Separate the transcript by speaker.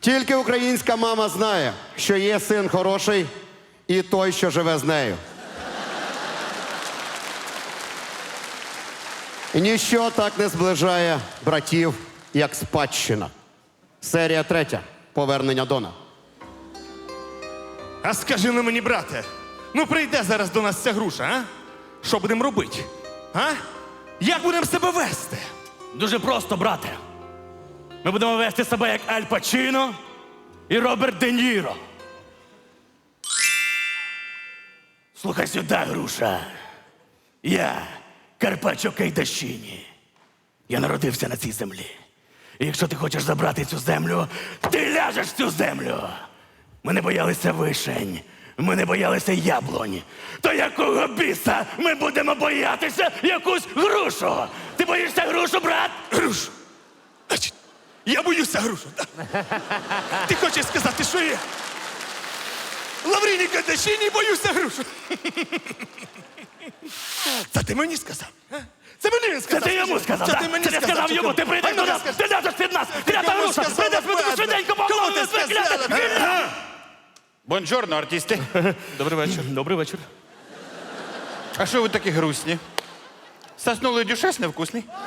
Speaker 1: Тільки українська мама знає, що є син хороший і той, що живе з нею. І ніщо так не зближає братів, як спадщина. Серія 3. Повернення Дона.
Speaker 2: А скажи ну мені, брате, ну прийде зараз до нас ця груша, а? Що будемо робити? А? Як будемо себе вести?
Speaker 3: Дуже просто, брате. Ми будемо вести себе як Аль Пачіно і Роберт Де Ніро. Слухай сюди, груша. Я Карпаччо Кейдашіні. Я народився на цій землі. І якщо ти хочеш забрати цю землю, ти ляжеш в цю землю. Ми не боялися вишень, ми не боялися яблунь. То якого біса ми будемо боятися якусь грушу? Ти боїшся грушу, брат?
Speaker 2: Грушу? Значить, я боюся грушу, так? Ти хочеш сказати, що я? Лавріній Кадашіні боюся грушу. Це ти мені сказав? А? Це мені він
Speaker 3: Це
Speaker 2: сказав.
Speaker 3: ти йому сказав,
Speaker 2: Це
Speaker 3: так?
Speaker 2: ти мені
Speaker 3: Це ти сказав
Speaker 2: чи
Speaker 3: йому,
Speaker 2: кому?
Speaker 3: ти прийдеш
Speaker 2: А
Speaker 3: до
Speaker 2: мені
Speaker 3: нас,
Speaker 2: сказав.
Speaker 3: ти ляжеш від нас, клята
Speaker 2: кому
Speaker 3: груша,
Speaker 2: сказав,
Speaker 3: прийдеш, ми
Speaker 2: Петре?
Speaker 3: швиденько
Speaker 2: Кому ти
Speaker 3: поговоримо,
Speaker 2: сказав?
Speaker 3: клята.
Speaker 4: Бонжорно, артисти.
Speaker 2: Добрий вечір.
Speaker 3: Добрий вечір.
Speaker 4: А що ви такі грустні? Соснулий дюшес невкусний?